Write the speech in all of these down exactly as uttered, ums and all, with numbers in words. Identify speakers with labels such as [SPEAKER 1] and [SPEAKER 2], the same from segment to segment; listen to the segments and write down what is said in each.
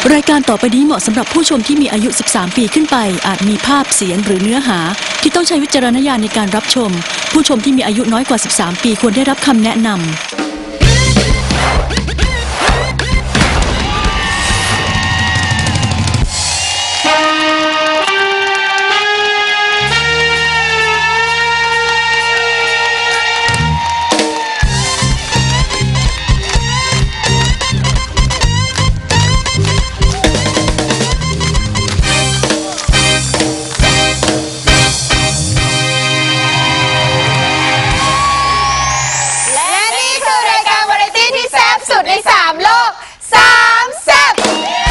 [SPEAKER 1] รายการต่อไปนี้เหมาะสำหรับผู้ชมที่มีอายุ สิบสาม ปีขึ้นไปอาจมีภาพเสียงหรือเนื้อหาที่ต้องใช้วิจารณญาณในการรับชมผู้ชมที่มีอายุน้อยกว่า สิบสาม ปีควรได้รับคำแนะนำ
[SPEAKER 2] ในสามโลกสามแซ่บ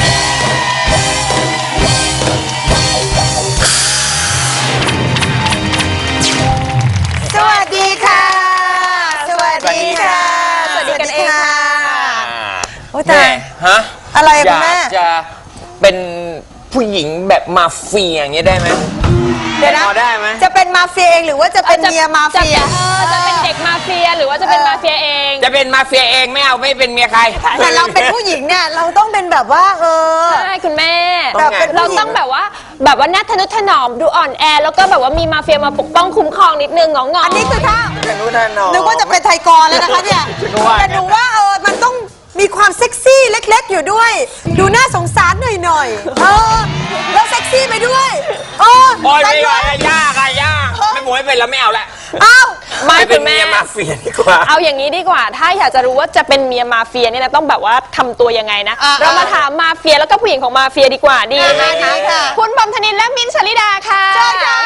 [SPEAKER 2] สวัสดีค่ะสวัสดีค่ะสวัสดีกันเองค่ะโอ้ยตาย
[SPEAKER 3] ฮะ
[SPEAKER 2] อะไรคุณแม่
[SPEAKER 3] อยากจะเป็นผู้หญิงแบบมาเฟียอย่างเงี้ยได้ไหม
[SPEAKER 2] เดี๋ยวนะ
[SPEAKER 3] ได้ไหม
[SPEAKER 2] จะเป็นมาเฟียเองหรือว่าจะเป็นเมียมาเฟีย
[SPEAKER 4] จะเป็นเด็กมาเฟียหรือว่าจะเป็นมาเฟียเอง
[SPEAKER 3] จะเป็นมาเฟียเองไม่เอาไม่เป็นเมียใคร
[SPEAKER 2] แต่เราเป็นผู้หญิงเนี่ยเราต้องเป็นแบบว่าเออ
[SPEAKER 4] ใช่คุณแม่
[SPEAKER 2] เรา
[SPEAKER 4] ต้องแบบว่าแบบว่าน่าทะนุถนอมดูอ่อนแอแล้วก็แบบว่ามีมาเฟียมาปกป้องคุ้มครองนิดนึงงองๆ
[SPEAKER 2] อันนี้คือถ้า
[SPEAKER 3] ทะนุถนอม
[SPEAKER 2] นึกว่าจะเป็นไทยกรแล้วนะคะเนี่ยแต่หนูว่าเออมันต้องมีความเซ็กซี่เล็กๆอยู่ด้วยดูน่าสงสารหน่อยๆเออแล้วเซ็กซี่ไปด้วยเออ
[SPEAKER 3] โอ้ยไม่ไหวยากอะยากไม่หมวยเป็นแล้วไม่เอาละ
[SPEAKER 2] อ้าว
[SPEAKER 3] ไม่เป็นเมียมาเฟียดีกว่า
[SPEAKER 4] เอาอย่างนี้ดีกว่าถ้าอยากจะรู้ว่าจะเป็นเมียมาเฟียเนี่ยนะต้องแบบว่าทำตัวยังไงนะเรามาถามมาเฟียแล้วก็ผู้หญิงของมาเฟียดีกว่าดีไหมคะคุณบอมธนินและมิ้นท์ชลิดาค่ะ
[SPEAKER 2] เชิญค่ะ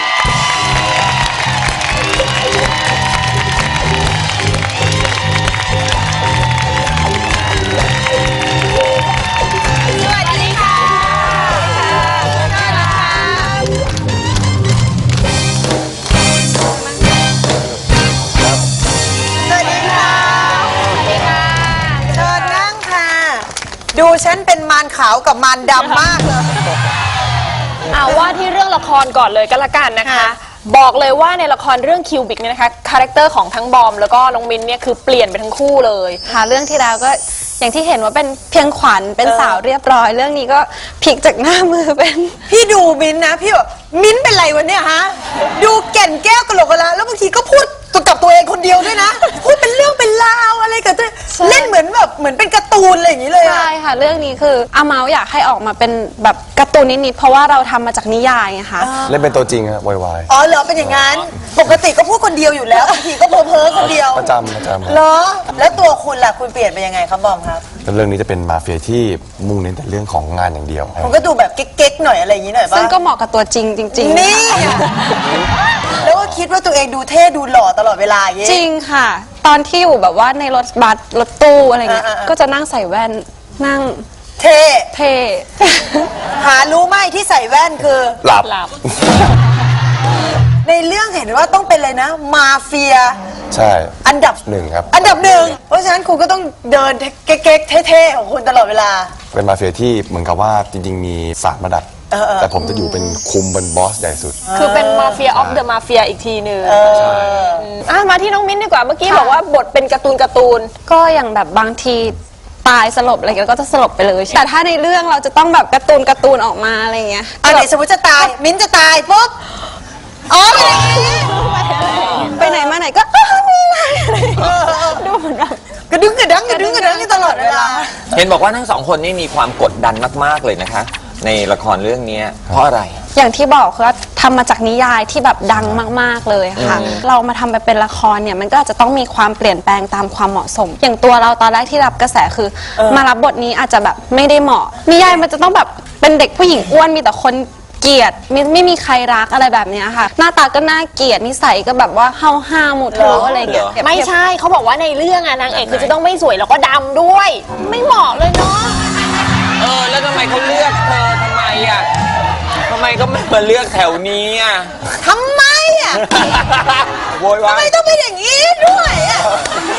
[SPEAKER 2] ดูฉันเป็นมารขาวกับมารดำมากเลย
[SPEAKER 4] เอาว่าที่เรื่องละครก่อนเลยก็แล้วกันนะคะบอกเลยว่าในละครเรื่องคิวบิกเนี่ยนะคะคาแรคเตอร์ของทั้งบอมแล้วก็น้องมินเนี่ยคือเปลี่ยนไปทั้งคู่เลย
[SPEAKER 5] ค่ะเรื่องที่แล้วก็อย่างที่เห็นว่าเป็นเพียงขวัญเป็นสาวเรียบร้อยเรื่องนี้ก็พลิกจากหน้ามือเป็น
[SPEAKER 2] พี่ดูมินนะพี่แบบมินเป็นไรวะเนี่ยฮะดูแก่นแก้วกะโหลกกะลาแล้วบางทีก็พูดกับตัวเองคนเดียวด้วยนะพูดเป็นเรื่องเป็นราวอะไรกับตัวเล่นเหมือนแบบเหมือนเป็นการ์ตูนอะไรอย่างนี้เลย
[SPEAKER 5] ใช่ค่ะเรื่องนี้คืออาเมาอยากให้ออกมาเป็นแบบการ์ตูนนิดๆเพราะว่าเราทำมาจากนิยายไงคะ
[SPEAKER 6] เล่นเป็นตัวจริงอะวา
[SPEAKER 2] ยๆอ๋อเหรอเป็นอย่างนั้นปกติก็พูดคนเดียวอยู่แล้วบางทีก็เพ้อเพ้อคนเดียว
[SPEAKER 6] ประจำประจำ
[SPEAKER 2] เหรอแล้วตัวคุณล่ะคุณเปลี่ยนไปยังไงครับบอมครับ
[SPEAKER 6] เรื่องนี้จะเป็นมาเฟียที่มุ่งเน้นแต่เรื่องของงานอย่างเดียว
[SPEAKER 2] มันก็ดูแบบเก๊กๆหน่อยอะไรอย่างนี้หน่อยป่ะ
[SPEAKER 5] ซึ่งก็เหมาะกับตัวจริงจริงๆ
[SPEAKER 2] นี่แล้วก็คิดว่าตัวเองดูเท่ดูหล่อตลอดเวลาอย่างนี้
[SPEAKER 5] จริงค่ะตอนที่อยู่แบบว่าในรถบัสรถตู้อะไรเงี้ยก็จะนั่งใส่แว่นนั่ง
[SPEAKER 2] เท่
[SPEAKER 5] เท่
[SPEAKER 2] หารู้ไหมที่ใส่แว่นคือ
[SPEAKER 6] หลับ
[SPEAKER 2] ในเรื่องเห็นว่าต้องเป็นเลยนะมาเฟีย
[SPEAKER 6] ใช่
[SPEAKER 2] อันดับ
[SPEAKER 6] หนึ่งครับ
[SPEAKER 2] อันดับหนึ่งเพราะฉะนั้นคุณก็ต้องเดินเก๊กๆเท่ๆของคุณตลอดเวลา
[SPEAKER 6] เป็นมาเฟียที่เหมือนกับว่าจริงๆมีสามระดับแต่ผมจะอยู่เป็นคุมเป็นบอสใหญ่สุด
[SPEAKER 4] คือเป็นมาเฟียออฟเดอะมาเฟียอีกทีหนึ่งมาที่น้องมิ้นดีกว่าเมื่อกี้บอกว่าบทเป็นการ์ตูนการ์ตูน
[SPEAKER 5] ก็อย่างแบบบางทีตายสลบอะไรก็จะสลบไปเลยแต่ถ้าในเรื่องเราจะต้องแบบการ์ตูนการ์ตูนออกมาอะไรเงี้ย
[SPEAKER 2] อันไหนสมมติจะตายมิ้นจะตายปุ๊บอ๋อ
[SPEAKER 5] ไปไหนมาไหนก็นี่ไงดูเหมือนแบบ
[SPEAKER 2] กระดึ๊งกระดังกระดึ๊งกระดังตลอดเวลา
[SPEAKER 3] เห็นบอกว่าทั้งสองคนนี่มีความกดดันมากๆเลยนะคะในละครเรื่องนี้เพราะอะไร
[SPEAKER 5] อย่างที่บอกคือทำมาจากนิยายที่แบบดังมากๆเลยค่ะเรามาทำไปเป็นละครเนี่ยมันก็อาจจะต้องมีความเปลี่ยนแปลงตามความเหมาะสมอย่างตัวเราตอนแรกที่รับกระแสคือมารับบทนี้อาจจะแบบไม่ได้เหมาะนิยายมันจะต้องแบบเป็นเด็กผู้หญิงอ้วนมีแต่คนเกลียดไม่ไม่มีใครรักอะไรแบบนี้ค่ะหน้าตาก็น่าเกลียดนิสัยก็แบบว่าห้าวห้าหมดเลยอะไรเงี้ย
[SPEAKER 4] ไม่ใช่เขาบอกว่าในเรื่องอะนางเอกคือจะต้องไม่สวยแล้วก็ดำด้วยไม่เหมาะเลยเนาะ
[SPEAKER 3] เออแล้วทำไมเขาเลือกเธอทำไมอ่ะทำไมก็ไม่มาเลือกแถวนี้อ่ะ
[SPEAKER 2] ทำไมอ่ะ
[SPEAKER 3] โวยวาย
[SPEAKER 2] ทำไมต้องเป็นอย่างนี้ด้วยอ่ะ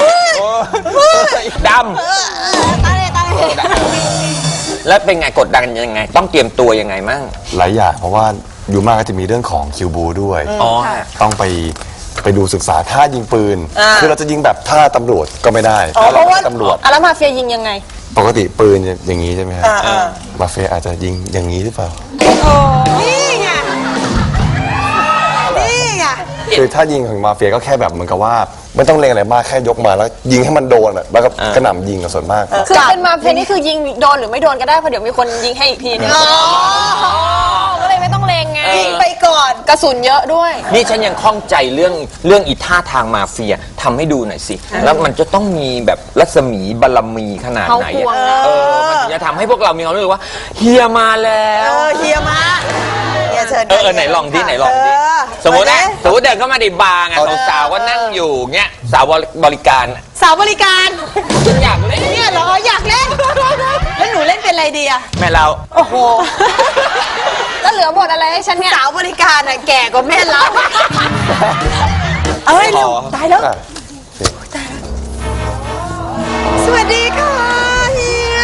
[SPEAKER 3] ดำตายเลยตายเลยแล้วเป็นไงกดดันยังไงต้องเตรียมตัวยังไงมั่ง
[SPEAKER 6] หลายอย่างเพราะว่าอยู่มากก็จะมีเรื่องของคิวบูด้วยต้องไปไปดูศึกษาท่ายิงปืนคือเราจะยิงแบบท่าตำรวจก็ไม่ได้
[SPEAKER 4] เพราะว่าตำรวจแล้วมาเฟียยิงยังไง
[SPEAKER 6] ปกติปืนจะอย่างนี้ใช่ไหมฮะ
[SPEAKER 2] อ่าอ่า
[SPEAKER 6] มาเฟียอาจจะยิงอย่างนี้หรือเปล่า
[SPEAKER 2] นี่ไงนี่ไง
[SPEAKER 6] คือถ้ายิงของมาเฟียก็แค่แบบเหมือนกับว่าไม่ต้องเล็งอะไรมากแค่ยกมาแล้วยิงให้มันโดนอะแล้วก็กระหน่ำยิงกับส่วนมาก
[SPEAKER 4] คือเป็นมาเฟียนี่คือยิงโดนหรือไม่โดนก็ได้เพราะเดี๋ยวมีคนยิงให้อีกทีนึง
[SPEAKER 2] อ๋อ
[SPEAKER 4] ก็เลยไม่ต้องเลงไง
[SPEAKER 2] ยิงไปก่อน
[SPEAKER 4] กระสุนเยอะด้วย
[SPEAKER 3] นี่ฉันยังข้องใจเรื่องเรื่องอีท่าทางมาเฟียทำให้ดูหน่อยสิ แล้วมันจะต้องมีแบบรัศมีบารมีขนาดไหน
[SPEAKER 4] เขาห่วง
[SPEAKER 3] อะ
[SPEAKER 4] นะ
[SPEAKER 3] เออมันถึงจะทำให้พวกเรามีความรู้สึกว่าเฮียมาแล้
[SPEAKER 2] เอ
[SPEAKER 3] ว
[SPEAKER 2] อเฮียมาเฮียเชิญ
[SPEAKER 3] เออเออไหนลองดิไหนลองดิ
[SPEAKER 2] เออ
[SPEAKER 3] สมมตินะ
[SPEAKER 2] า
[SPEAKER 3] สมมติเดินเข้ามาในบาร์ไงสาวๆก็นั่งอยู่เงี้ยสาวบริการ
[SPEAKER 2] สาวบริการ
[SPEAKER 3] ฉันอยากเล่น
[SPEAKER 2] เนี่ยเหรออยากเล่นแล้วหนูเล่นเป็นอะไรดีอะ
[SPEAKER 3] แม่เรา
[SPEAKER 2] โอ้โห
[SPEAKER 4] แล้วเหลือบทอะไรให้ฉันเนี่ย
[SPEAKER 2] สาวบริการอะแก่กว่าแม่เราเอ้ยเร็วตายแล้ว
[SPEAKER 6] อ่ะ
[SPEAKER 2] สวัสดีค่ะเฮีย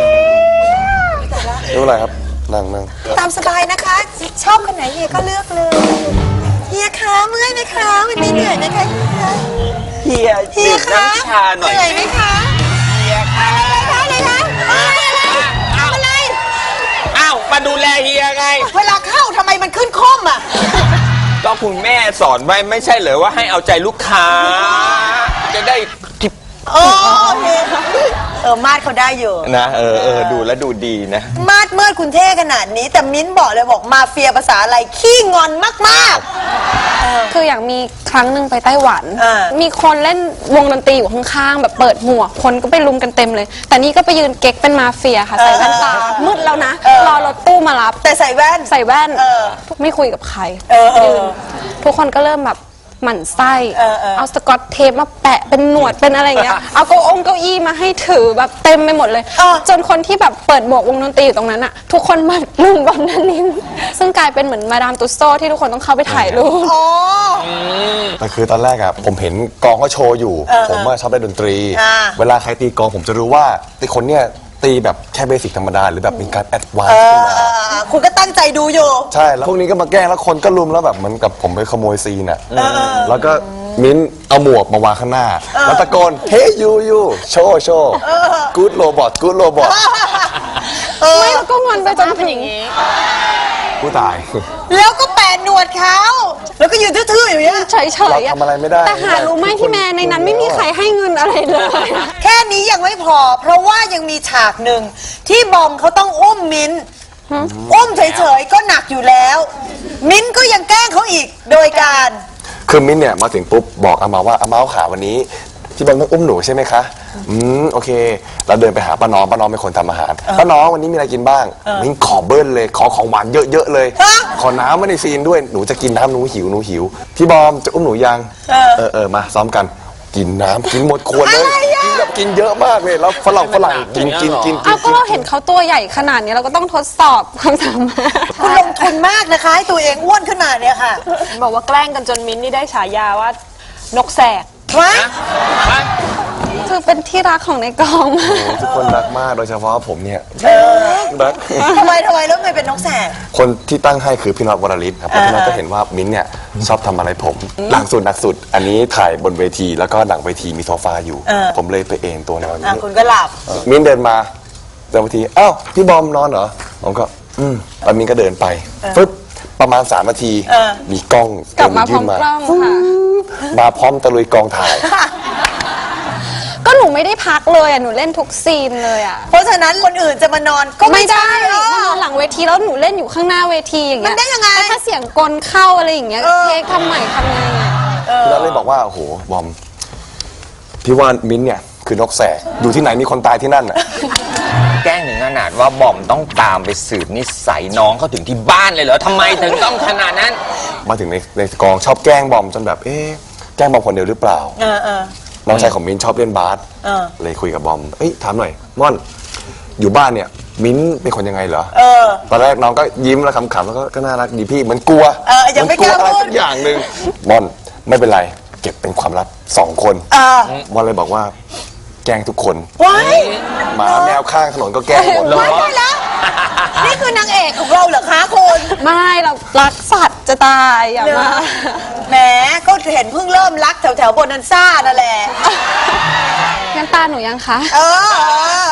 [SPEAKER 6] ไม่เป็นไรครับนั่งนั่ง
[SPEAKER 2] ตามสบายนะคะ ชอบคนไหนเฮียก็เลือกเลยเฮียคะเมื่อยไหมคะวันนี้เหนื่อยไหมคะเฮีย
[SPEAKER 3] เฮีย
[SPEAKER 2] เฮีย
[SPEAKER 3] ดื่ม
[SPEAKER 2] คะ
[SPEAKER 3] น้ำชาหน่อย
[SPEAKER 2] เหนื่อยไหมคะ
[SPEAKER 3] เฮียค่ะ
[SPEAKER 2] อะไรคะทำอะไร
[SPEAKER 3] อ้าวมาดูแลเฮียไง
[SPEAKER 2] เวลาเข้าทำไมมันขึ้นค่อมอ่ะ
[SPEAKER 3] ก็คุณแม่สอนไว้ไม่ใช่เหรอว่าให้เอาใจลูกค้า จะได้ทิป
[SPEAKER 2] โอ้เฮียเออมาดเขาได้อยู่
[SPEAKER 3] นะเออเออดูแล้วดูดีนะ
[SPEAKER 2] มาดเมื่อคุณเท่ขนาดนี้ แต่มิ้นบอกเลยบอกมาเฟียภาษาอะไรขี้งอนมาก
[SPEAKER 5] คืออย่างมีครั้งหนึ่งไปไต้หวัน
[SPEAKER 2] อ่า
[SPEAKER 5] มีคนเล่นวงดนตรีอยู่ข้างๆแบบเปิดหมวกคนก็ไปลุมกันเต็มเลย แต่นี่ก็ไปยืนเก๊กเป็นมาเฟียค่ะ ใส่แว่นตา มืดแล้วนะ รอรถตู้มารับ
[SPEAKER 2] ๆ แต่ใส่แว่น
[SPEAKER 5] ใส่แว่น
[SPEAKER 2] เออ
[SPEAKER 5] ไม่คุยกับใคร
[SPEAKER 2] เออเออ
[SPEAKER 5] ยืนทุกคนก็เริ่มแบบหมั่นไส้
[SPEAKER 2] เออเออ
[SPEAKER 5] เอาสกอตเทปมาแปะเป็นหนวดเป็นอะไรอย่างเงี้ย เอาเก้าองเก้าอี้มาให้ถือแบบเต็มไปหมดเลย จนคนที่แบบเปิดหมวกวงดนตรีอยู่ตรงนั้นอะทุกคนมาลุมบอมนันนินซึ่งกลายเป็นเหมือนมาดามตุสโซที่ทุกคนต้องเข้าไปถ่ายรูป
[SPEAKER 2] อ๋อ
[SPEAKER 6] แต่คือตอนแรกอะผมเห็นกองเขาโชว์อยู่ ผมว่าชอบเล่นดนตรี
[SPEAKER 2] อ่า
[SPEAKER 6] เวลาใครตีกองผมจะรู้ว่าไอ้คนเนี้ยตีแบบแค่เบสิกธรรมดาหรือแบบมีการแอดวาน
[SPEAKER 2] เอ
[SPEAKER 6] ซ์ขึ้
[SPEAKER 2] อน
[SPEAKER 6] มา
[SPEAKER 2] เออเออคุณก็ตั้งใจดูอยู่
[SPEAKER 6] ใช่ แล้วพวกนี้ก็มาแกล้งแล้วคนก็รุมแล้วแบบเหมือนกับผมไปขโมยซีนอะแล้วก็มิ้นเอาหมวกมาวางข้างหน้า แล้วตะโกนเฮ้ยยูยูโชว์โชว์กู๊ดโรบอทกู๊ดโรบอท
[SPEAKER 5] ไม่แล้วก็งอนไปจนถึงอย่างนี้
[SPEAKER 6] ผู้ตาย
[SPEAKER 2] แล้วก็แปะหนวดเขาแล้วก็ยืนทื่อๆอยู่เนี่ย
[SPEAKER 5] เฉยๆ
[SPEAKER 6] เราทำอะไรไม่ได้
[SPEAKER 5] แต่หารู้ไหมพี่แม่ในนั้นไม่มีใครให้เงินอะไรเลย
[SPEAKER 2] แค่นี้ยังไม่พอ เพราะว่ายังมีฉากหนึ่งที่บอมเขาต้องอุ้มมิ้นอุ้มเฉยๆก็หนักอยู่แล้ว มิ้นก็ยังแกล้งเขาอีกโดยการ
[SPEAKER 6] คือมิ้นเนี่ยมาถึงปุ๊บบอกอามาว่าอามาขาวันนี้ที่บอลต้องอุ้มหนูใช่ไหมคะอืมโอเคเราเดินไปหาป้าน้องป้าน้องเป็นคนทำอาหารป้าน้องวันนี้มีอะไรกินบ้างมิ้นขอเบิ้ลเลยขอของหวานเยอะๆเลย
[SPEAKER 2] ฮะ
[SPEAKER 6] ขอน้ำมาในซีนด้วยหนูจะกินน้ำหนูหิวหนูหิวพี่บอมจะอุ้มหนูยังเออเออมาซ้อมกันกินน้ำกินหมดขวดเลยกินแบบกินเยอะมากเลยแล้วฝรั่งฝรั่งกินกินกินกิ
[SPEAKER 5] เอา
[SPEAKER 6] น
[SPEAKER 5] ก็เราเห็นเขาตัวใหญ่ขนาดนี้เราก็ต้องทดสอบความสามารถ
[SPEAKER 2] คุณลงทุนมากนะคะให้ตัวเองอ้วนขึ้นมาเนี่ยค่ะ
[SPEAKER 4] บอกว่าแกล้งกันจนมิ้นท์นี่ได้ฉายาว่านกแสก
[SPEAKER 2] วะ
[SPEAKER 5] คือเป็นที่รักของในกองมาก
[SPEAKER 6] ทุกคนรักมากโดยเฉพาะผมเนี่ยรัก
[SPEAKER 2] ทำไมทำไมแล้วทำไมเป็นนกแสก
[SPEAKER 6] คนที่ตั้งให้คือพี่น็อตวรลิศครับเพราะพี่น็อตก็เห็นว่ามิ้นท์เนี่ยชอบทำอะไรผม หลังสุดหนักสุด อันนี้ถ่ายบนเวทีแล้วก็หลังเวทีมีโซฟาอยู่
[SPEAKER 2] เออ
[SPEAKER 6] ผมเลยไปเอนตัวนอน
[SPEAKER 2] อ่ะคุณก็หลับ
[SPEAKER 6] มิ้นท์เดินมาเดินมาทีอ้าวพี่บอมนอนเหรอผมก็อืมแล้วมิ้นท์ก็เดินไปฟึ๊บประมาณสามนาที
[SPEAKER 2] เออ
[SPEAKER 6] มีกล้อง
[SPEAKER 5] กลับมาพร้
[SPEAKER 6] ยื่
[SPEAKER 5] อม
[SPEAKER 6] น
[SPEAKER 5] กล้องค่ะ
[SPEAKER 6] มาพร้อมตะลุยกองถ่าย
[SPEAKER 5] ก็หนูไม่ได้พักเลยอ่ะหนูเล่นทุกซีนเลยอ่ะ
[SPEAKER 2] เพราะฉะนั้นคนอื่นจะมานอนก็ไม่
[SPEAKER 5] ไม่ได้
[SPEAKER 2] ใช่
[SPEAKER 5] ห
[SPEAKER 2] เอ
[SPEAKER 5] นู
[SPEAKER 2] อ
[SPEAKER 5] นอนหลังเวทีแล้วหนูเล่นอยู่ข้างหน้าเวทีอย่างเงี้ย
[SPEAKER 2] มันได้ยังไง
[SPEAKER 5] แล้วถ้าเสียงกลเข้าอะไรอย่างเงี้ย
[SPEAKER 2] เออ
[SPEAKER 5] เทคทำใหม่ทำไงอ่ะ
[SPEAKER 6] พี่น็อตเลยบอกว่าโอ้โหบอมพี่ว่ามิ้นท์เนี่ยคือนกแสกอยู่ที่ไหนมีคนตายที่นั่นอ่ะ
[SPEAKER 3] แกล้งถึงขนาดว่าบอมต้องตามไปสืบนิสัยน้องเขาถึงที่บ้านเลยเหรอทำไมถึงต้องขนาดนั้น
[SPEAKER 6] มาถึงในในกองชอบแกล้งบอมจนแบบเอ๊ะแกล้งบอมคนเดียวหรือเปล่า
[SPEAKER 2] เออเออ
[SPEAKER 6] น้องชายของมิ้นท์ชอบเล่นบาส
[SPEAKER 2] เออ
[SPEAKER 6] เลยคุยกับบอมเอ้ยถามหน่อยม่อนอยู่บ้านเนี่ยมิ้นท์เป็นคนยังไงเหรอ
[SPEAKER 2] เออ
[SPEAKER 6] ตอนแรกน้องก็ยิ้มแล้วขำๆแล้วก็ก็น่ารักดีพี่เหมือนกลัว
[SPEAKER 2] เออยังไม่
[SPEAKER 6] เหนกลัว
[SPEAKER 2] กล้า
[SPEAKER 6] อะไร
[SPEAKER 2] พูด
[SPEAKER 6] สักอย่างหนึ่งม่อนไม่เป็นไรเก็บเป็นความลับสองคน
[SPEAKER 2] เออ
[SPEAKER 6] ม่อนเลยบอกว่าแกล้งทุกคน
[SPEAKER 2] ว้าย
[SPEAKER 6] หมาแมวข้างถนนก็แกล้งหมด
[SPEAKER 3] เหรอ
[SPEAKER 2] ว้ายได้แล้ว นี่คือนางเอกของเราเหรอคะคุณ
[SPEAKER 5] ไม่เรารักสัตว์จะตายอย่ามา
[SPEAKER 2] แหมก็เห็นเพิ่งเริ่มรักแถวแถวๆโบนันซ่านั่นแหละ
[SPEAKER 5] งั้นตาหนูยังคะ
[SPEAKER 2] เออเออเอาสิ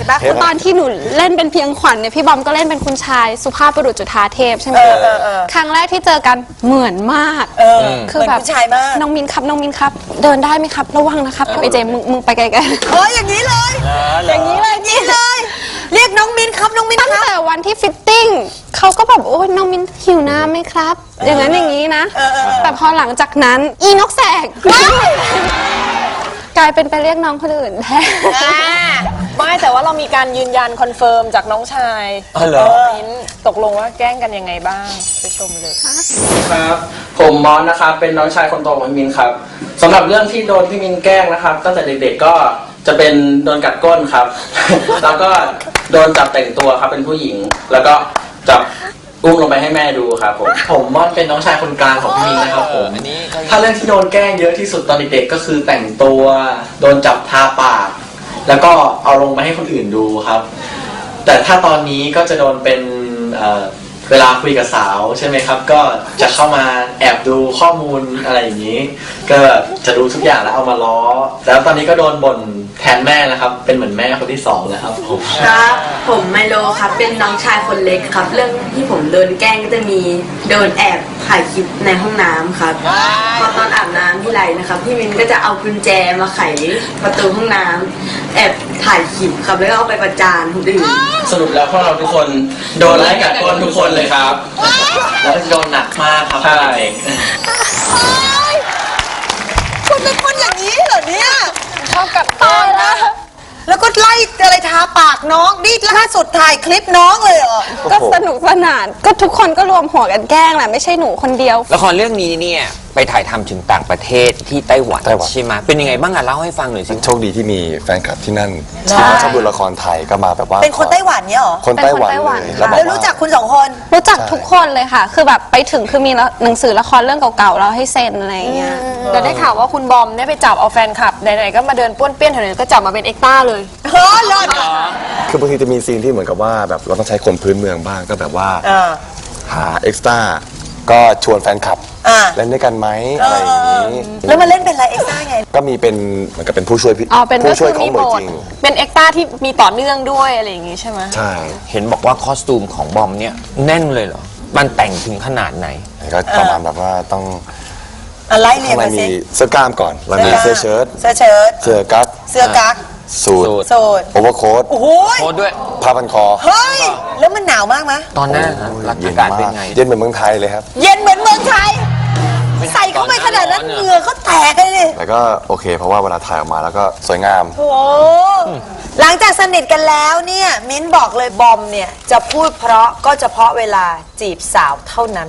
[SPEAKER 2] ห็นปะ
[SPEAKER 6] เห็นปะ
[SPEAKER 5] ตอนที่หนูเล่นเป็นเพียงขวัญเนี่ยพี่บอมก็เล่นเป็นคุณชายสุภาพบุรุษจุฑาเทพใช่ไหม
[SPEAKER 2] เออเออเออ
[SPEAKER 5] ครั้งแรกที่เจอกันเหมือนมาก
[SPEAKER 2] เออ
[SPEAKER 5] คือแบบ
[SPEAKER 2] เหมือนผู้ชายมาก
[SPEAKER 5] น้องมินครับน้องมินครับ เดินได้ไหมครับ ระวังนะครับไอเจมึงมึงไปไกลๆ
[SPEAKER 2] เอออย่างนี้เลย
[SPEAKER 5] อย่างนี้เลย
[SPEAKER 2] อย่างนี้เลย เรียกน้องมินครับน้องมิน
[SPEAKER 5] ตั้ง
[SPEAKER 2] ครับ
[SPEAKER 5] แต่วันที่ฟิตติ้งเขาก็แบบโอ้ยน้องมินหิวน้ำไหมครับ อย่างนั้นอย่างนี้นะ แต่พอหลังจากนั้นอีนกแสกกลายเป็นไปเรียกน้องคนอื่นแทน
[SPEAKER 4] ไม่แต่ว่าเรามีการยืนยันคอนเฟิร์มจากน้องชาย
[SPEAKER 3] อ๋อเหรอ
[SPEAKER 4] มิ้นตกลงว่าแกล้งกันยังไงบ้างไปชมเลย
[SPEAKER 7] ครับผมมอสนะครับเป็นน้องชายคนโตของพี่มินครับสำหรับเรื่องที่โดนพี่มินแกล้งนะครับตั้งแต่เด็กๆก็จะเป็นโดนกัดก้นครับ แล้วก็โดนจับแต่งตัวครับเป็นผู้หญิง แล้วก็จับอุ้มลงไปให้แม่ดูครับผมผมมอสเป็นน้องชายคนกลางของพี่มินนะครับผม
[SPEAKER 3] อันนี้ก็
[SPEAKER 7] ถ้าเรื่องที่โดนแกล้งเยอะที่สุดตอนเด็กๆก็คือแต่งตัวโดนจับทาปาก แล้วก็เอาลงมาให้คนอื่นดูครับ แต่ถ้าตอนนี้ก็จะโดนเป็นเอ่อเวลาคุยกับสาวใช่ไหมครับ ก็จะเข้ามาแอบดูข้อมูลอะไรอย่างนี้ ก็จะดูทุกอย่างแล้วเอามาล้อ แล้วตอนนี้ก็โดนบ่นแทนแม่นะครับ เป็นเหมือนแม่คนที่สองแล้วครับผม
[SPEAKER 8] ครับผมไมโลครับเป็นน้องชายคนเล็กครับ เรื่องที่ผมโดนแกล้งก็จะมีโดนแอบถ่ายคลิปในห้องน้ำครับพอตอนอาบน้ำที่ไรนะครับพี่มินก็จะเอากุญแจมาไขประตูห้องน้ำแอบถ่ายคลิปครับแล้วก็เอาไปประจานคนอื่น
[SPEAKER 7] สรุปแล้วพวกเราทุกคนโดนไล่กัดก้นทุกคนเลยครับ แล้วก็จะโดนหนักมากครับใช่
[SPEAKER 2] คุณเป็นคนอย่างนี้เหรอเนี่ย
[SPEAKER 4] ชอบกัดตายแล้ว
[SPEAKER 2] แล้วก็ไล่อะไรทาปากน้องนี่ล่าสุดถ่ายคลิปน้องเลยเหรอ
[SPEAKER 5] ก็สนุกสนานก็ทุกคนก็รวมหัวกันแกล้งแหละไม่ใช่หนูคนเดียว
[SPEAKER 3] ละครเรื่องนี้เนี่ยไปถ่ายทำถึงต่างประเทศที่ไต้หวัน
[SPEAKER 6] ไต้หวัน
[SPEAKER 3] ใช่ไหมเป็นยังไงบ้างอะเล่าให้ฟังหน่อยสิ
[SPEAKER 6] โชคดีที่มีแฟนคลับที่นั่นที่เขาชอบดูละครไทยก็มาแบบว่า
[SPEAKER 2] เป็นคนไต้หวันเนี่ยเหรอ
[SPEAKER 6] คนไต้หวัน
[SPEAKER 5] เป็นคนไต้หวัน
[SPEAKER 6] เลย
[SPEAKER 5] ค่ะ
[SPEAKER 6] บอก
[SPEAKER 2] แล้ว
[SPEAKER 6] ว่า
[SPEAKER 2] รู้จักคุณสองคน
[SPEAKER 5] รู้จักทุกคนเลยค่ะ คือแบบไปถึงคือมีหนังสือละครเรื่องเก่าๆเราให้เซ็นอะไรอย่างเงี้ย
[SPEAKER 4] แต่ได้ข่าวว่าคุณบอมเนี่ยไปจับเอาแฟนคลับไหนๆก็มาเดินป้วนเปี้ยนแถวนี้ก็จับมาเป็นเอ็กต้าเลย
[SPEAKER 2] เฮ้อเลิศ
[SPEAKER 6] คือบางทีจะมีซีนที่เหมือนกับว่าแบบเราต้องใช้คนพื้นเมืองบ้างก็แบบว่า
[SPEAKER 2] อ่า
[SPEAKER 6] หาเอ็กซ์ต้าก็ชวนแฟนคลับ
[SPEAKER 2] อ่า
[SPEAKER 6] เล่นด้วยกันไหมอะไรอย่างนี้
[SPEAKER 2] แล้วมาเล่นเป็นอะไรเอ็กซ์ต้าไง
[SPEAKER 6] ก็มีเป็นเหมือนกับเป็นผู้ช่วยพี่
[SPEAKER 5] อ๋อเป็นก็
[SPEAKER 6] ผู้ช่
[SPEAKER 5] คื
[SPEAKER 6] วย
[SPEAKER 5] อ
[SPEAKER 6] ของ
[SPEAKER 5] มี
[SPEAKER 6] หน่
[SPEAKER 5] บ
[SPEAKER 6] วย
[SPEAKER 5] ท
[SPEAKER 6] จริง
[SPEAKER 4] เป็นเอ็กต้าที่มีต่อเนื่องด้วยอะไรอย่างงี้ใช่ไหม
[SPEAKER 6] ใช่
[SPEAKER 3] เห็นบอกว่าคอสตูมของบอมเนี่ยแน่นเลยเหรอมันแต่งถึงขนาดไหน
[SPEAKER 6] ก็ประมาณแบบว่าต้อง
[SPEAKER 2] อะไรเรีย
[SPEAKER 6] ข้าน งใน
[SPEAKER 2] มา
[SPEAKER 6] มี
[SPEAKER 2] สิ
[SPEAKER 6] เสื้อกล้ามก่อนแล้วมีเสื้อเชิ้ต
[SPEAKER 2] เสื้อเชิ้ต
[SPEAKER 6] เสื้อกั๊ก
[SPEAKER 2] เสื้อกั๊ก
[SPEAKER 6] สูท
[SPEAKER 3] สูท
[SPEAKER 2] โซด
[SPEAKER 6] โอเวอร์โค้ท
[SPEAKER 2] โอ้โห
[SPEAKER 3] โคตรด้วย
[SPEAKER 6] ผ้าพันคอ
[SPEAKER 2] เฮ้ย แล้วมันหนาวมากไหม
[SPEAKER 3] ตอนหน้าฮะรัก
[SPEAKER 6] เย็
[SPEAKER 3] อาน กาศเป็น
[SPEAKER 6] มาก
[SPEAKER 3] ไง
[SPEAKER 6] เย็นเหมือนเมืองไทยเลยครับ
[SPEAKER 2] เย็นเหมือนเมืองไทย ใส่เข้าไปขนาดนั้นเหงื่อก็แตกเลยดิ
[SPEAKER 6] แต่ก็โอเค เพราะว่าเวลาถ่ายออกมาแล้วก็สวยงาม
[SPEAKER 2] โอ้หลังจากสนิทกันแล้วเนี่ย มิ้นบอกเลยบอมเนี่ย จะพูดเพราะก็เฉพาะเวลาจีบสาวเท่านั้น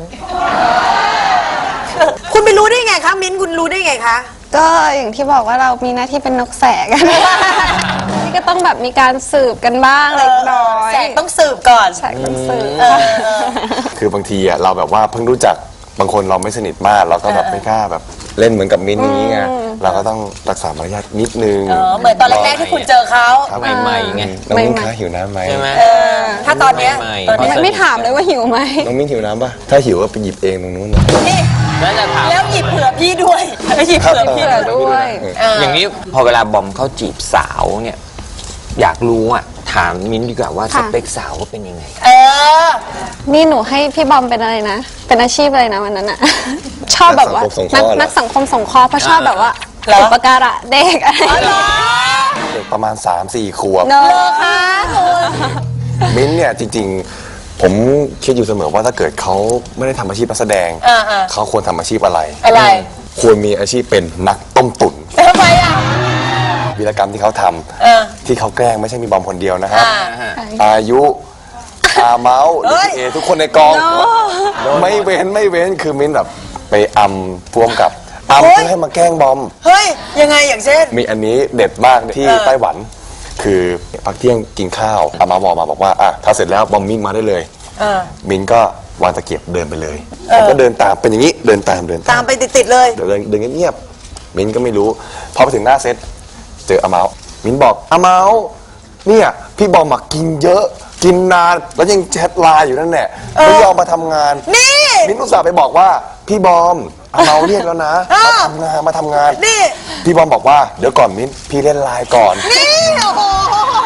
[SPEAKER 2] คุณไปรู้ได้ไงคะ มิ้นคุณรู้ได้ไงคะ
[SPEAKER 5] ก็อย่างที่บอกว่าเรามีหน้าที่เป็นนกแสก นี่ก็ต้องแบบมีการสืบกันบ้างเล็กน้อย
[SPEAKER 2] แสกต้องสืบก่อน
[SPEAKER 5] แสกต้องสืบ
[SPEAKER 6] คือบางทีอ่ะเราแบบว่าเพิ่งรู้จักบางคนเราไม่สนิทมาก เราก็แบบไม่กล้าแบบเล่นเหมือนกับมิ้นท์อย่างนี้ไงเราก็ต้องรักษามารยาทนิดนึง
[SPEAKER 2] เออเหมือนตอนแรกๆที่คุณเจอเขา
[SPEAKER 6] ครับ
[SPEAKER 3] ใหม่ๆไง
[SPEAKER 6] น้องมิ้นท์คะหิวน้ำไหม
[SPEAKER 3] ใช่ไหม
[SPEAKER 2] ถ้าตอนเนี้ย
[SPEAKER 3] ใหม่ๆ
[SPEAKER 2] ตอนเนี้ย
[SPEAKER 5] ไม่ถามเลยว่าหิวไหม
[SPEAKER 6] น้องมิ้นท์หิวน้ำปะถ้าหิวก็ไปหยิบเองตรงนู้นนะ
[SPEAKER 2] นี่
[SPEAKER 3] น่าจะถาม
[SPEAKER 2] แล้วหยิบเผื่อพี่ด้วยแล้วหยิบเผื่อพี่
[SPEAKER 5] เผื่อด้วย
[SPEAKER 3] อย่างนี้พอเวลาบอมเข้าจีบสาวเนี่ยอยากรู้อ่ะถามมิ้นท์ดีกว่าว่าส
[SPEAKER 5] ค่ะ
[SPEAKER 3] เปคสาวว่าเป็นยังไง
[SPEAKER 2] เออ
[SPEAKER 5] นี่หนูให้พี่บอมเป็นอะไรนะ เป็นอาชีพอะไรนะวันนั้นอะ ชอบแบบว่า
[SPEAKER 6] นักสังคมสงเคราะห์เหรอ
[SPEAKER 5] นักนักสังคมสงเคราะห์เพราะชอบแบบว่า
[SPEAKER 2] เหรอ
[SPEAKER 5] อุปการะเด็กอะไรอย่างเงี้ย
[SPEAKER 6] เด็กประมาณ สามสี่ ขวบ
[SPEAKER 5] เนอะ
[SPEAKER 6] มิ้นท์เนี่ยจริงๆ ผมคิดอยู่เสมอว่าถ้าเกิดเขาไม่ได้ทำอาชีพนักแสดง
[SPEAKER 2] อ่าๆ
[SPEAKER 6] เขาควรทำอาชีพอะไร
[SPEAKER 2] อะไร
[SPEAKER 6] ควรมีอาชีพเป็นนักต้มตุ๋น
[SPEAKER 2] ทำไมอ่ะ
[SPEAKER 6] วีรกรรมที่เขาท
[SPEAKER 2] เออ
[SPEAKER 6] ำที่เขาแกล้งไม่ใช่มีบอมคนเดียวนะครับ
[SPEAKER 2] อ่า
[SPEAKER 6] อายุอาเมาส์
[SPEAKER 2] เฮ้ย
[SPEAKER 6] เอทุกคนในกองไม่เว้นไม่เว้นคือมิ้นท์แบบไปอำพ่วงกับอำเพื่อให้มาแกล้งบอม
[SPEAKER 2] เฮ้ย ยังไงอย่างเช่น
[SPEAKER 6] มีอันนี้เด็ดมากที่
[SPEAKER 2] เออ
[SPEAKER 6] ไต้หวัน คือพักเที่ยงกินข้าวอามาบอกมาบอกว่าอ่ะถ้าเสร็จแล้วบอมมิ้งมาได้เลย
[SPEAKER 2] เออ
[SPEAKER 6] มิ้นก็วางตะเกียบเดินไปเลยผมก็เดินตามเป็นอย่างนี้เดินตามเดิน
[SPEAKER 2] ตามไปติดๆเลย
[SPEAKER 6] เดินเดินเงียบๆมิ้นก็ไม่รู้พอไปถึงหน้าเซตเจออาเมามิ้นบอกอาเมาเนี่ยพี่บอมมากินเยอะ กินนานแล้วยังแชทไลน์อยู่นั่นแหละไม่ยอมมาทำงาน
[SPEAKER 2] นี่
[SPEAKER 6] มิ้นอุตส่าห์ไปบอกว่าพี่บอมอาเมาเรียกแล้วนะ
[SPEAKER 2] เออ
[SPEAKER 6] มาทำงานมาทำงาน
[SPEAKER 2] นี่
[SPEAKER 6] พี่บอมบอกว่าเดี๋ยวก่อนมิ้นพี่เล่นไลน์ก่อน
[SPEAKER 2] นี่ โอ้โห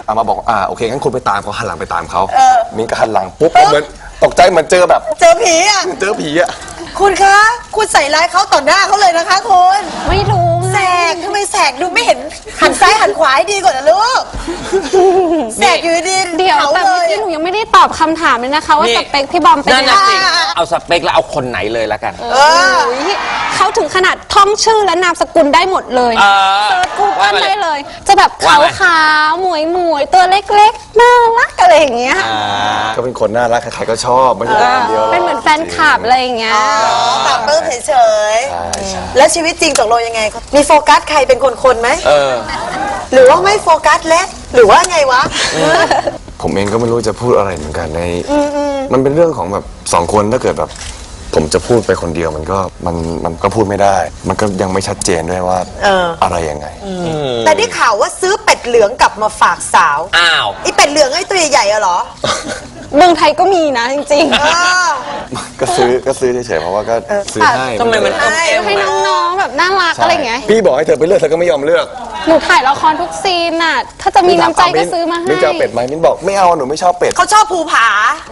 [SPEAKER 6] อามาบอกอ่าโอเคงั้นคุณไปตามเขาหันหลังไปตามเขา
[SPEAKER 2] เออ
[SPEAKER 6] มิ้นก็หันหลังปุ๊บเหมือนตกใจเหมือนเจอแบบ
[SPEAKER 2] เจอผีอ่ะ
[SPEAKER 6] เจอผีอะ
[SPEAKER 2] คุณคะ คุณใส่ร้ายเขาต่อหน้าเขาเลยนะคะคุณ
[SPEAKER 5] ไม่รู้
[SPEAKER 2] แสกทำไมแสกดูไม่เห็นหันซ้ายหันขวาให้ดีกว่านะลูกแสกอยู่ดี
[SPEAKER 5] เดี๋ยว
[SPEAKER 2] เขา
[SPEAKER 5] แต่
[SPEAKER 2] เล
[SPEAKER 5] เมื่อย กี้หนูยังไม่ได้ตอบคำถามเลยนะคะ ว่า
[SPEAKER 3] นี่
[SPEAKER 5] สเปคพี่บอมเป็น
[SPEAKER 3] นั่น
[SPEAKER 5] ยัง
[SPEAKER 3] น่ะ
[SPEAKER 5] ไง
[SPEAKER 3] สิเอาสเปคแล้วเอาคนไหนเลยละกัน
[SPEAKER 2] เออ
[SPEAKER 5] โอ้ยเขาถึงขนาดท่องชื่อและนามสกุลได้หมดเลย
[SPEAKER 3] เออ
[SPEAKER 5] เซิร์ชกู
[SPEAKER 3] ว่า
[SPEAKER 5] เกิล
[SPEAKER 3] มาเลย
[SPEAKER 5] ได้เลย จะแบบ
[SPEAKER 3] ว่า
[SPEAKER 5] ขาว
[SPEAKER 3] มา
[SPEAKER 5] ขาวๆหมวยหมวยๆตัวเล็กๆน่ารักอะไรอย่างเงี้ย
[SPEAKER 3] อ่า
[SPEAKER 6] ก็เป็นคนน่ารักใครๆก็ชอบไม่ใช่แต่คนเดียวหรอก
[SPEAKER 5] เป็นเหมือนแฟนคลับอะไรอย่างเงี้ย
[SPEAKER 2] อ๋อตามเปิ้ลเฉย
[SPEAKER 6] ใช่ใช่
[SPEAKER 2] ๆแล้วชีวิตจริงตกลงยังไง มีโฟกัสใครเป็นคนๆไหม
[SPEAKER 3] เออ
[SPEAKER 2] หรือว่าไม่โฟกัสแล้วหรือว่าไงวะ
[SPEAKER 6] ผมเองก็ไม่รู้จะพูดอะไรเหมือนกันในมันเป็นเรื่องของแบบสองคนถ้าเกิดแบบ ผมจะพูดไปคนเดียวมันก็มันมันก็พูดไม่ได้ มันก็ยังไม่ชัดเจนด้วยว่า
[SPEAKER 2] เอออ
[SPEAKER 6] อะไรยังไง
[SPEAKER 2] แต่ได้ข่าวว่าซื้อเป็ดเหลืองกลับมาฝากสาว
[SPEAKER 3] อ้าว
[SPEAKER 2] ไอเป็ดเหลืองไอตัวใหญ่ๆอะเหรอ
[SPEAKER 5] เมืองไทยก็มีนะจริง
[SPEAKER 2] เออ
[SPEAKER 6] ก็ซื้อก็ซื้อเฉยๆเพราะว่าก็ซื้อให้
[SPEAKER 3] ทำไมมัน
[SPEAKER 2] ใช่
[SPEAKER 5] ๆ ให้น้องๆแบบน่ารัก
[SPEAKER 6] ใช่
[SPEAKER 5] อะไรอย่างเงี้ย
[SPEAKER 6] พี่บอกให้เธอไปเลือกเธอก็ไม่ยอมเลือก
[SPEAKER 5] หนูถ่ายละครทุกซีนน่ะ ถ้าจะมีน้ำใจก็ซื้อมาให้
[SPEAKER 6] มิ้นจะเอาเป็ดไหมมิ้นบอกไม่เอาหนูไม่ชอบเป็ด
[SPEAKER 2] เขาชอบภูผา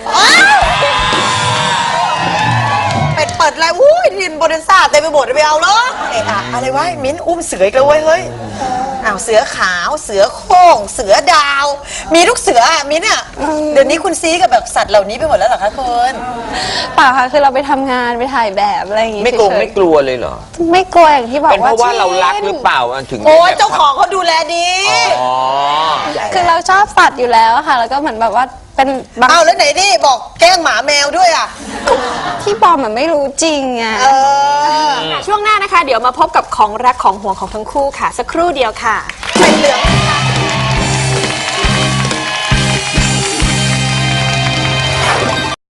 [SPEAKER 2] เป็ดเปิดอะไรอุ้ยดินโบเดนซ่าเต็มไปหมดเลยไปเอาเหรอเอะอะอะไรวะมิ้นอุ้มเสืออีกแล้วเว้ยเฮ้ยอ้าวเสือขาวเสือโคร่งเสือดาว มีลูกเสืออะมิ้นอะเดี๋ยวนี้คุณซีกับแบบสัตว์เหล่านี้ไปหมดแล้วเหรอคะคุณ
[SPEAKER 5] เปล่าค่ะคือเราไปทำงานไปถ่ายแบบอะไรอย่างงี้
[SPEAKER 3] ไม่กลัว
[SPEAKER 5] เฉยๆ
[SPEAKER 3] ไม่กลัวเลยเหรอ
[SPEAKER 5] ไม่กลัวอย่างที่บอก
[SPEAKER 3] เป็นเพ
[SPEAKER 5] ว่า
[SPEAKER 3] ราะว่าเรารักหรือเป
[SPEAKER 5] ล่า
[SPEAKER 3] ล่ามันถึง
[SPEAKER 2] โอ้ย
[SPEAKER 3] แบบ
[SPEAKER 2] เจ้าของเขาดูแลดี
[SPEAKER 3] อ๋อ
[SPEAKER 5] คือเราชอบสัตว์อยู่แล้วอะค่ะ แล้วก็เหมือนแบบว่าเป็นบาง
[SPEAKER 2] อ้าวแล้วไหนนี่บอกแกล้งหมาแมวด้วยอ่ะ
[SPEAKER 5] ที่บอมมันไม่รู้จริงอะ
[SPEAKER 2] เออ
[SPEAKER 4] ช่วงหน้านะคะ เดี๋ยวมาพบกับของรักของห่วงของทั้งคู่ค่ะ สักครู่เดียวค่ะ
[SPEAKER 2] เป็ดเหลือง